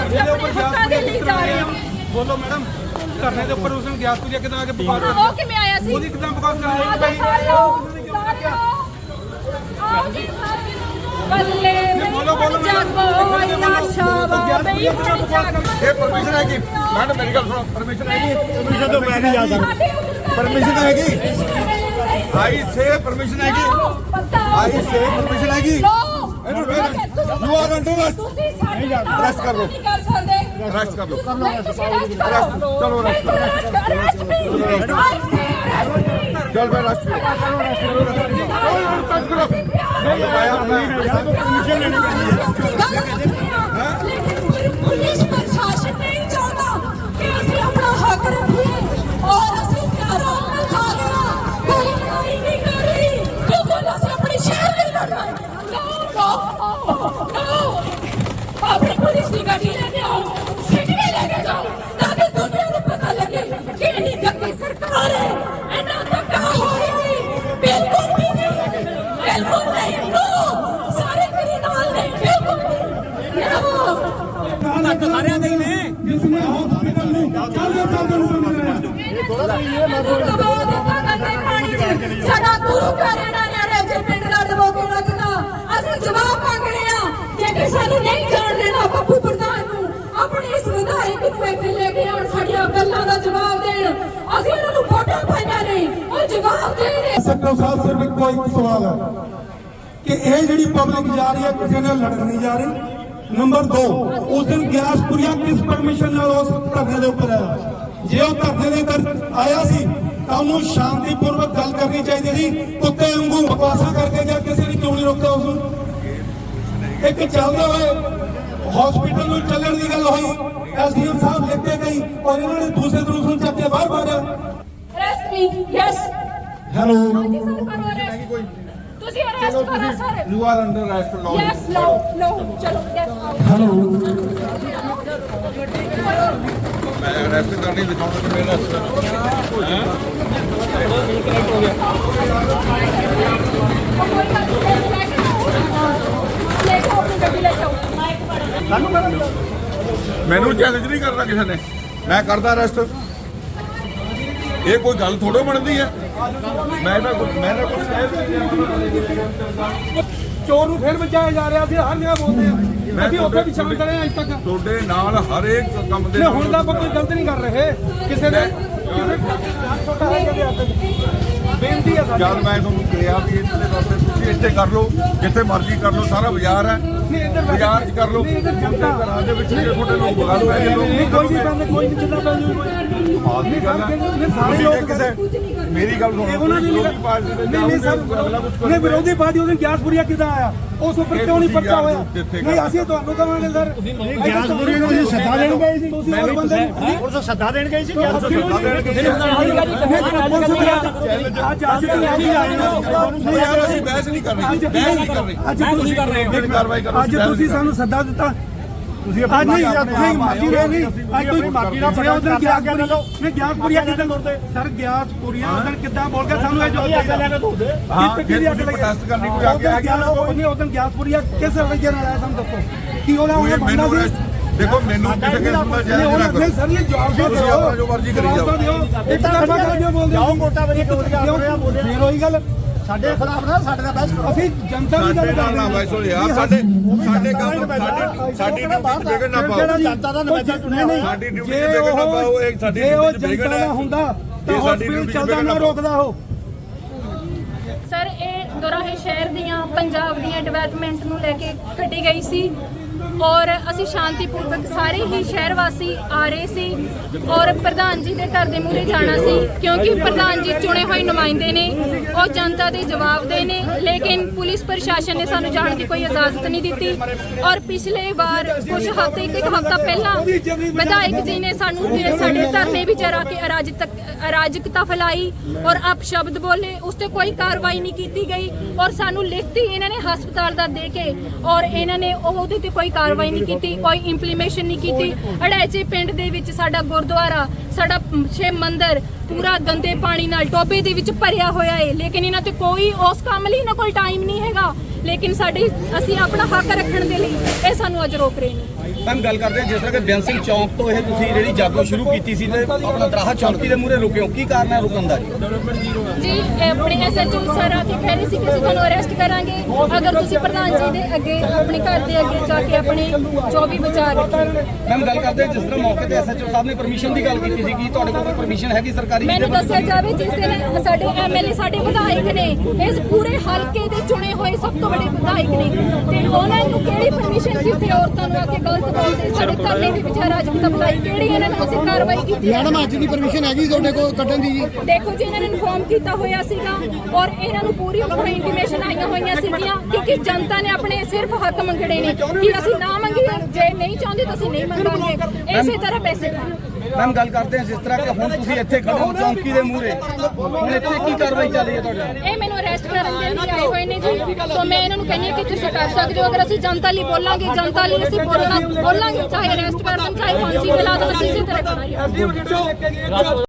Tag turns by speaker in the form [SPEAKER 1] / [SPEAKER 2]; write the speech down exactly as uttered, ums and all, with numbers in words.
[SPEAKER 1] ਅਸੀਂ ਆਪਣੇ ਹੱਕਾਂ ਦੇ ਲਈ ਜਾ ਰਹੇ ਹਾਂ।
[SPEAKER 2] ਬੋਲੋ ਮੈਡਮ, ਧਰਨੇ ਦੇ ਉੱਪਰ ਉਸ ਦਿਨ ਗਿਆਸ ਪੂਜਾ ਕਿਦਾਂ ਆ ਕੇ ਬਕਵਾਸ
[SPEAKER 1] ਹਾਂ, ਉਹ ਕਿਵੇਂ ਆਇਆ ਸੀ?
[SPEAKER 2] ਉਹਦੀ ਕਿਦਾਂ ਬਕਵਾਸ ਕਰ
[SPEAKER 1] ਆਓ ਜੀ ਸਾਰੇ ਆਓ, ਸਾਰੇ ਆਓ। ਆਓ ਜੀ ਸਾਰੇ ਬੱਲੇ
[SPEAKER 2] ਬੋਲੋ ਬੋਲੋ
[SPEAKER 1] ਜਾਗੋ ਇੰਨਾ ਸ਼ਾਬਾ ਬਈ
[SPEAKER 2] ਇਹ ਪਰਮਿਸ਼ਨ ਹੈ ਕਿ ਮੈਡਮ ਮੇਰੀ ਗੱਲ ਸੁਣੋ, ਪਰਮਿਸ਼ਨ ਹੈ ਕਿ ਪਰਮਿਸ਼ਨ ਤੋਂ ਮੈਂ ਨਹੀਂ ਜਾ ਸਕਦਾ। ਪਰਮਿਸ਼ਨ ਹੈ ਕਿ ਆਈ ਸੇ ਪਰਮਿਸ਼ਨ ਹੈ ਕਿ ਆਈ ਸੇ ਪਰਮਿਸ਼ਨ ਹੈ ਕਿ ਇਹਨੂੰ you are under arrest. Arrest ਕਰ ਲਓ, ਅਰੈਸਟ ਕਰ ਲਓ, ਚਲੋ ਅਰੈਸਟ ਕਰੋ, ਚਲ ਮੈਂ ਅਰੈਸਟ
[SPEAKER 1] पुलिस प्रशासन नहीं चाहता कि ਅਸੀਂ ਆਪਣਾ ਹੱਕ ਰੱਖੀਏ और ਅਸੀਂ ਪਿਆਰਾ ਆਪਣਾ ਖਾ ਲੈਣਾ। ਕੋਈ ਲੜਾਈ ਨਹੀਂ ਕਰ ਰਹੀ ਕਿਉਂਕਿ ਅਸੀਂ ਆਪਣੇ ਸ਼ਹਿਰ ਲਈ ਲੜਨਾ ਹੈ। नो नो नो अपनी पुलिस की गाड़ी लेके आओ, सिटी में लेके जाओ ताकि दुनिया को पता लगे कि इन्हीं गंदी सरकार है, इन्ना धक्का हो रही है। बिल्कुल भी नहीं, बिल्कुल नहीं। नो सारे मेरे नाल नहीं, बिल्कुल नहीं। नो
[SPEAKER 2] ਸਾਰਿਆਂ ਦੇ ਹੀ ਨੇ
[SPEAKER 1] जिसने हॉस्पिटल में चलते चलते ਸਾਡਾ ਗੁਰੂ ਘਰ ਇਹਨਾਂ ਨੇ ਰੇਜੇ ਪਿੰਡ ਦਾ ਦਬੋਕੇ ਰੱਖਣਾ। ਅਸੀਂ ਜਵਾਬ ਮੰਗਣੇ ਆ। ਜੇ ਸਾਨੂੰ ਨਹੀਂ ਜਾਣ ਦੇਣਾ ਬੱਬੂ ਪ੍ਰਧਾਨ ਨੂੰ, ਆਪਣੇ ਇਸ ਵਿਧਾਇਕ ਨੂੰ ਇੱਥੇ ਲੈ ਕੇ ਆਉਣ, ਸਾਡੀਆਂ ਗੱਲਾਂ ਦਾ ਜਵਾਬ ਦੇਣ। ਅਸੀਂ ਇਹਨਾਂ ਨੂੰ ਵੋਟਾਂ ਪਾਈਆਂ ਨਹੀਂ, ਉਹ ਜਵਾਬ ਦੇਣ।
[SPEAKER 3] ਸੈਕਟਰ ਸਾਹਿਬ ਸਿਰਫ ਇੱਕੋ ਇੱਕ ਸਵਾਲ ਹੈ ਕਿ ਇਹ ਜਿਹੜੀ ਪਬਲਿਕ ਜਾ ਰਹੀ ਹੈ ਕਿਸੇ ਨਾਲ ਲੜਨ ਨਹੀਂ ਜਾ ਰਹੀ। ਨੰਬਰ ਦੋ, ਉਸ ਦਿਨ ਗਿਆਸਪੁਰੀਆ ਕਿਸ ਪਰਮਿਸ਼ਨ ਨਾਲ ਉਸ ਧਰਨੇ ਦੇ ਉੱਪਰ ਆਇਆ? ਜੇ ਉਹ ਧਰਨੇ ਦੇ ਅੰਦਰ ਆਇਆ ਸੀ ਤਾਂ ਉਹਨੂੰ ਸ਼ਾਂਤੀਪੂਰਵਕ ਗੱਲ ਕਰਨੀ ਚਾਹੀਦੀ ਸੀ। ਕੁੱਤੇ ਵਾਂਗੂ ਬਕਵਾਸਾਂ ਕਰਕੇ ਜਾਂ ਕਿਸੇ ਨੇ ਕਿਉਂ ਨਹੀਂ ਰੋਕਿਆ ਉਸ ਨੂੰ? ਇੱਕ ਚੱਲਦੇ ਹੋਏ ਹਸਪੀਟਲ ਨੂੰ ਚੱਲਣ ਦੀ ਗੱਲ ਹੋਈ, ਐਸਡੀਐਮ ਸਾਹਿਬ ਲਿਖ ਕੇ ਗਈ ਔਰ ਇਹਨਾਂ ਨੇ ਦੂਸਰੇ ਦੂਸਰੇ ਨੂੰ ਚੱਕ ਕੇ ਬਾਹਰ ਮਾਰਿਆ।
[SPEAKER 1] ਅਰੈਸਟ ਮੀ ਯੈਸ
[SPEAKER 3] ਹੈਲੋ,
[SPEAKER 1] ਹਾਂਜੀ ਸਰ ਕਰੋ ਅਰੈਸਟ। ਤੁਸੀਂ ਅਰੈਸਟ ਕਰੋ sir.
[SPEAKER 2] You are under arrest ਲਓ।
[SPEAKER 1] ਯੈਸ ਲਓ ਲਓ ਚਲੋ ਯੈਸ ਆਓ।
[SPEAKER 3] ਹੈਲੋ,
[SPEAKER 2] ਮੈਂ ਅਰੈਸਟ ਕਰਨੀ ਦਿਖਾਉਂਦਾ ਤੇ ਮੇਰਾ ਅਰੈਸਟ ਕਰੋ। ਹੈ ਹੋ ਗਿਆ ਮੈਨੂੰ ਚੈਲੰਜ ਨਹੀਂ ਕਰਨਾ ਕਿਸੇ ਨੇ, ਮੈਂ ਕਰਦਾ ਅਰੈਸਟ। ਇਹ ਕੋਈ ਗੱਲ ਥੋੜੋ ਬਣਦੀ ਹੈ। ਮੈਂ ਤਾਂ ਮੈਂ ਤਾਂ ਕੁਝ
[SPEAKER 3] ਚੋਰ ਨੂੰ ਫਿਰ ਬਚਾਇਆ ਜਾ ਰਿਹਾ ਸੀ, ਹਰ ਜਗ੍ਹਾ ਬੋਲਦੇ ਆ। ਅਸੀਂ ਉੱਥੇ ਵੀ ਸ਼ਾਮਲ ਕਰੇ ਅੱਜ ਤੱਕ।
[SPEAKER 2] ਤੁਹਾਡੇ ਨਾਲ ਹਰੇਕ ਕੰਮ ਦੇ
[SPEAKER 3] ਨਹੀਂ, ਹੁਣ ਤਾਂ ਆਪਾਂ ਕੋਈ ਗਲਤ ਨਹੀਂ ਕਰ ਰਹੇ ਕਿਸੇ ਨੇ। ਬੇਨਤੀ ਹੈ ਸਾਡੀ।
[SPEAKER 2] ਜਦ ਮੈਂ ਤੁਹਾਨੂੰ ਕਿਹਾ ਵੀ ਇਹਨਾਂ ਦੇ ਵਾਸਤੇ ਤੁਸੀਂ ਇੱਥੇ ਕਰ ਲਓ, ਜਿੱਥੇ ਮਰਜ਼ੀ ਕਰ ਲਓ, ਸਾਰਾ ਬਾਜ਼ਾਰ ਹੈ, ਬਾਜ਼ਾਰ 'ਚ ਕਰ ਲਓ। ਘਰਾਂ ਦੇ ਵਿੱਚ ਜਿਹੜੇ ਤੁਹਾਡੇ ਲੋਕ ਬਗਾੜ ਪੈ ਗਏ ਲੋਕ
[SPEAKER 3] ਨਹੀਂ, ਕੋਈ ਨਹੀਂ ਪੈਂਦੇ, ਕੋਈ ਨਹੀਂ ਜਿੱਦਾਂ ਪੈਂਦੇ
[SPEAKER 2] ਆਦਮੀ ਗੱਲ ਹੈ।
[SPEAKER 3] ਸਾਰੇ ਲੋਕ
[SPEAKER 2] ਕਿਸੇ ਮੇਰੀ ਗੱਲ ਸੁਣੋ,
[SPEAKER 3] ਉਹਨਾਂ ਦੀ
[SPEAKER 2] ਵਿਰੋਧੀ ਪਾਰਟੀ ਦੇ
[SPEAKER 3] ਨਹੀਂ ਨਹੀਂ ਸਰ, ਨਹੀਂ ਵਿਰੋਧੀ ਪਾਰਟੀ ਉਹਦੇ ਗਿਆਸਪੁਰੀਆ ਕਿੱਦਾਂ ਆਇਆ? ਉਸ ਉੱਪਰ ਕਿਉਂ ਨਹੀਂ ਪਰਚਾ ਹੋਇਆ? ਨਹੀਂ, ਅਸੀਂ ਤੁਹਾਨੂੰ ਕਹਾਂਗੇ ਸਰ,
[SPEAKER 4] ਗਿਆਸਪੁਰੀਆ ਨੂੰ ਅਸੀਂ ਸੱਦਾ ਦੇਣ ਗਏ ਸੀ।
[SPEAKER 3] ਤੁਸੀਂ ਹੋਰ ਬੰਦੇ
[SPEAKER 4] ਪੁਲਿਸ ਸੱਦਾ ਦੇਣ ਗਈ ਸੀ। ਗਿਆਸ
[SPEAKER 3] ਅੱਜ
[SPEAKER 2] ਯਾਰ ਅਸੀਂ ਬਹਿਸ ਨਹੀਂ ਕਰ ਰਹੇ, ਬਹਿਸ ਨਹੀਂ ਕਰ ਰਹੇ।
[SPEAKER 3] ਅੱਜ ਤੁਸੀਂ ਕਰ ਰਹੇ
[SPEAKER 2] ਹੋ ਕਾਰਵਾਈ ਕਰੋ।
[SPEAKER 3] ਅੱਜ ਤੁਸੀਂ ਸਾਨੂੰ ਸੱਦਾ ਦਿੱਤਾ।
[SPEAKER 4] ਤੁਸੀਂ
[SPEAKER 3] ਅੱਜ ਨਹੀਂ ਨਹੀਂ ਮਾਜੀ ਨਹੀਂ ਅੱਜ ਤੁਸੀਂ ਮਾਜੀ ਦਾ ਬੜਾ ਉਧਰ ਗਿਆਸਪੁਰੀਆ ਮੈਂ ਗਿਆਸਪੁਰੀਆ ਕਿੱਦਾਂ ਕਰਦੇ ਸਰ? ਗਿਆਸਪੁਰੀਆ ਉਧਰ ਕਿੱਦਾਂ ਬੋਲ ਕੇ ਸਾਨੂੰ ਇਹ ਜਵਾਬ ਦੇ
[SPEAKER 2] ਹਾਂ, ਜੇ ਤੁਸੀਂ ਪ੍ਰੋਟੈਸਟ ਕਰਨੀ ਕੋਈ ਆ ਕੇ ਆ ਗਿਆ
[SPEAKER 3] ਨਹੀਂ ਉਧਰ ਗਿਆਸਪੁਰੀਆ ਕਿਸ ਵਜ੍ਹਾ ਨਾਲ ਆਇਆ ਸਾਨੂੰ ਦੱਸੋ ਕੀ ਉਹਦਾ ਉਹਨੇ ਬੰਦਾ ਸੀ?
[SPEAKER 2] ਦੇਖੋ ਮੈਨੂੰ ਕਿਸੇ ਕਿਸਮ ਦਾ ਜਾਇਜ਼ ਨਾ ਕਰੋ।
[SPEAKER 3] ਨਹੀਂ ਸਰ, ਇਹ ਜਵਾਬ ਦਿਓ।
[SPEAKER 2] ਤੁਸੀਂ ਆਪਣਾ ਜੋ ਮਰਜ਼ੀ ਕਰੀ ਜਾਓ।
[SPEAKER 3] ਇੱਕ ਤਰਫਾ ਕਿਉਂ ਬੋਲਦੇ
[SPEAKER 4] ਜਾਓ ਵੋਟਾਂ ਵਾਲੀ
[SPEAKER 3] ਫਿਰ ਉਹੀ ਗੱਲ
[SPEAKER 4] ਸਾਡੇ ਖਿਲਾਫ ਨਾ ਸਾਡੇ ਨਾਲ ਬਹਿਸ ਕਰੋ।
[SPEAKER 3] ਅਸੀਂ ਜਨਤਾ ਦੀ ਗੱਲ
[SPEAKER 2] ਸਾਡੇ ਨਾਲ ਨਾ ਬਾਈ ਸੋ ਯਾਰ, ਸਾਡੇ ਸਾਡੇ ਕੰਮ ਸਾਡੀ ਸਾਡੀ ਡਿਊਟੀ ਤੇ ਵਿਗੜ ਨਾ ਪਾਓ।
[SPEAKER 4] ਜਨਤਾ ਦਾ ਨੁਮਾਇੰਦਾ ਚੁਣਿਆ ਨਹੀਂ।
[SPEAKER 2] ਸਾਡੀ ਡਿਊਟੀ ਤੇ ਵਿਗੜ ਨਾ ਪਾਓ। ਇਹ ਸਾਡੀ ਡਿਊਟੀ ਤੇ ਵਿਗੜ
[SPEAKER 3] ਜਨਤਾ ਹੁੰਦਾ ਤਾਂ ਹਸਪੀਟਲ ਚੱਲਦਾ ਨਾ ਰੋਕਦਾ ਉਹ।
[SPEAKER 1] ਸਰ ਇਹ ਦੋਰਾਹੇ ਸ਼ਹਿਰ ਦੀਆਂ ਪੰਜਾਬ ਦੀਆਂ ਡਿਵੈਲਪਮੈਂਟ ਨੂੰ ਲੈ ਕੇ ਕੱਢੀ ਗਈ ਸੀ ਔਰ ਅਸੀਂ ਸ਼ਾਂਤੀਪੂਰਵਕ ਸਾਰੇ ਹੀ ਸ਼ਹਿਰ ਵਾਸੀ ਆ ਰਹੇ ਸੀ ਔਰ ਪ੍ਰਧਾਨ ਜੀ ਦੇ ਘਰ ਦੇ ਮੂਹਰੇ ਜਾਣਾ ਸੀ ਕਿਉਂਕਿ ਪ੍ਰਧਾਨ ਜੀ ਚੁਣੇ ਹੋਏ ਨੁਮਾਇੰਦੇ ਨੇ, ਉਹ ਜਨਤਾ ਦੇ ਜਵਾਬ ਦੇ ਨੇ। ਲੇਕਿਨ ਪੁਲਿਸ ਪ੍ਰਸ਼ਾਸਨ ਨੇ ਸਾਨੂੰ ਜਾਣ ਦੀ ਕੋਈ ਇਜਾਜ਼ਤ ਨਹੀਂ ਦਿੱਤੀ ਔਰ ਪਿਛਲੇ ਵਾਰ ਕੁਝ ਹਫ਼ਤੇ ਇੱਕ ਹਫ਼ਤਾ ਪਹਿਲਾਂ ਵਿਧਾਇਕ ਜੀ ਨੇ ਸਾਨੂੰ ਸਾਡੇ ਧਰਨੇ ਵਿੱਚ ਆ ਕੇ ਅਰਾਜਕਤਾ ਫੈਲਾਈ ਔਰ ਅਪਸ਼ਬਦ ਬੋਲੇ, ਉਸ ਤੇ ਕੋਈ ਕਾਰਵਾਈ ਨਹੀਂ ਕੀਤੀ ਗਈ ਔਰ ਸਾਨੂੰ ਲਿਖਤੀ ਇਹਨਾਂ ਨੇ ਹਸਪਤਾਲ ਦਾ ਦੇ ਕੇ ਔਰ ਇਹਨਾਂ ਨੇ ਉਹਦੇ ਤੇ ਕੋਈ ਕਾਰਵਾਈ ਨਹੀਂ ਕੀਤੀ, ਕੋਈ ਇੰਪਲੀਮੇਸ਼ਨ ਨਹੀਂ ਕੀਤੀ। ਅੜੈਚੇ ਪਿੰਡ ਦੇ ਵਿੱਚ ਸਾਡਾ ਗੁਰਦੁਆਰਾ, ਸਾਡਾ ਸ਼ਿਵ ਮੰਦਿਰ ਪੂਰਾ ਗੰਦੇ ਪਾਣੀ ਨਾਲ ਟੋਬੇ ਦੇ ਵਿੱਚ ਭਰਿਆ ਹੋਇਆ ਹੈ, ਲੇਕਿਨ ਇਹਨਾਂ ਤੇ ਕੋਈ ਉਸ ਕੰਮ ਲਈ ਇਹਨਾਂ ਕੋਲ ਟਾਈਮ ਨਹੀਂ ਹੈਗਾ। ਲੇਕਿਨ ਸਾਡੇ ਅਸੀਂ ਆਪਣਾ ਹੱਕ ਰੱਖਣ ਦੇ ਲਈ ਇਹ ਸਾਨੂੰ ਅੱਜ ਰੋਕ ਰਹੇ ਨੇ।
[SPEAKER 5] ਮੈਮ ਗੱਲ ਕਰਦੇ ਹਾਂ ਜਿਸ ਤਰ੍ਹਾਂ ਕਿ ਬੇਅੰਤ ਸਿੰਘ ਚੌਂਕ ਤੋਂ ਇਹ ਤੁਸੀਂ ਜਿਹੜੀ ਜਾਗੋ ਸ਼ੁਰੂ ਕੀਤੀ ਸੀ ਤੇ ਆਪਣਾ ਦਰਾਹਾ ਚੌਂਕੀ ਦੇ ਮੂਹਰੇ ਰੁਕੇ ਹੋ, ਕੀ ਕਾਰਨ ਹੈ ਰੁਕਣ ਦਾ ਜੀ?
[SPEAKER 1] ਜੀ ਇਹ ਆਪਣੇ ਐਸਐਚਓ ਸਰ ਆ ਕੇ ਕਹਿ ਰਹੇ ਸੀ ਕਿ ਅਸੀਂ ਤੁਹਾਨੂੰ ਅਰੈਸਟ ਕਰਾਂਗੇ ਅਗਰ ਤੁਸੀਂ ਪ੍ਰਧਾਨ ਜੀ ਦੇ ਅੱਗੇ ਆਪਣੇ ਘਰ ਦੇ ਅੱਗੇ ਜਾ ਕੇ ਆਪਣੇ ਜੋ ਵੀ ਵਿਚਾਰ ਰੱਖੇ।
[SPEAKER 5] ਮੈਮ ਗੱਲ ਕਰਦੇ ਹਾਂ ਜਿਸ ਤਰ੍ਹਾਂ ਮੌਕੇ ਤੇ ਐਸਐਚਓ ਸਾਹਿਬ ਨੇ ਪਰਮਿਸ਼ਨ ਦੀ ਗੱਲ ਕੀਤੀ ਸੀ ਕਿ ਤੁਹਾਡੇ ਕੋਲ ਕੋਈ ਪਰਮਿਸ਼ਨ ਹੈਗੀ ਸਰਕਾਰੀ?
[SPEAKER 1] ਮੈਨੂੰ ਦੱਸਿਆ ਜਾਵੇ ਜਿਸ ਦਿਨ ਸਾਡੇ ਐਮਐਲਏ ਸਾਡੇ ਵਿਧਾਇਕ ਨੇ ਇਸ ਪੂਰੇ ਹਲਕੇ ਦੇ ਚੁਣੇ ਹੋਏ ਸਭ ਤੋਂ ਵੱਡੇ ਵਿਧਾਇਕ ਨੇ ਤੇ ਉਹਨਾਂ ਨੂੰ ਕਿਹੜੀ ਪਰਮਿਸ਼ਨ ਸੀ ਤੇ ਔਰਤਾਂ ਨੂੰ ਆ ਕੇ ਗਲਤ ਬੋਲਦੇ ਸਾਡੇ ਧਰਨੇ ਦੇ ਵਿੱਚ ਰਾਜਪੂਤ ਬੁਲਾਈ ਕਿਹੜੀ ਇਹਨਾਂ ਨੇ ਅਸੀਂ ਕਾਰਵਾਈ ਕੀਤੀ?
[SPEAKER 4] ਮੈਡਮ ਅੱਜ ਦੀ ਪਰਮਿਸ਼ਨ ਹੈਗੀ ਤੁਹਾਡੇ ਕੋਲ ਕੱਢਣ ਦੀ ਜੀ?
[SPEAKER 1] ਦੇਖੋ ਜੀ ਇਹਨਾਂ ਨੇ ਇਨਫੋਰਮ ਕੀਤਾ ਹੋਇਆ ਸੀਗਾ ਔਰ ਇਹਨਾਂ ਨੂੰ ਪੂਰੀ ਪੂਰੀ ਇੰਟੀਮੇਸ਼ਨ ਆਈਆਂ ਹੋਈਆਂ ਸੀਗੀਆਂ ਕਿ ਜਨਤਾ ਨੇ ਆਪਣੇ ਸਿਰਫ ਹੱਕ ਮੰਗਣੇ ਨੇ ਕਿ ਅਸੀਂ ਨਾ ਮੰਗੀਏ ਜੇ ਨਹੀਂ ਚਾਹੁੰਦੇ ਤਾਂ ਅਸੀਂ ਨਹੀਂ ਮੰਗਾਂਗੇ ਇਸੇ ਤਰ੍ਹਾਂ ਪੈਸੇ ਖਾਣ।
[SPEAKER 5] ਮੈਮ ਗੱਲ ਕਰਦੇ ਹਾਂ ਜਿਸ ਤਰ੍ਹਾਂ ਕਿ ਹੁਣ ਤੁਸੀਂ ਇੱਥੇ ਖੜੇ ਹੋ ਚੌਂਕੀ ਦੇ ਮੂਹਰੇ, ਹੁਣ ਇੱਥੇ ਕੀ ਕਾਰਵਾਈ ਚੱਲ ਰਹੀ ਹੈ ਤੁਹਾਡੇ ਨਾਲ?
[SPEAKER 1] ਇਹ ਮੈਨੂੰ ਅਰੈਸਟ ਕਰਨ ਦੇ ਲਈ ਆਏ ਹੋਏ ਨੇ ਜੀ ਸੋ ਮੈਂ ਇਹਨਾਂ ਨੂੰ ਕਹਿੰਦੀ ਹਾਂ ਕਿ ਤੁਸੀਂ ਕਰ ਸਕਦੇ ਹੋ ਅਗਰ ਅਸੀਂ ਜਨਤਾ ਲਈ ਬੋਲਾਂਗੇ ਜਨਤਾ ਲਈ ਅਸੀਂ ਬੋਲਣਾ ਬੋਲਾਂਗੇ ਚਾਹੇ ਅਰੈਸਟ ਕਰ ਦੇਣ ਚਾਹੇ ਫਾਂਸੀ ਦਿਲਾ ਦੇਣ ਅਸੀਂ ਇਸੇ ਤਰ੍ਹਾਂ ਕਰਾਂਗੇ।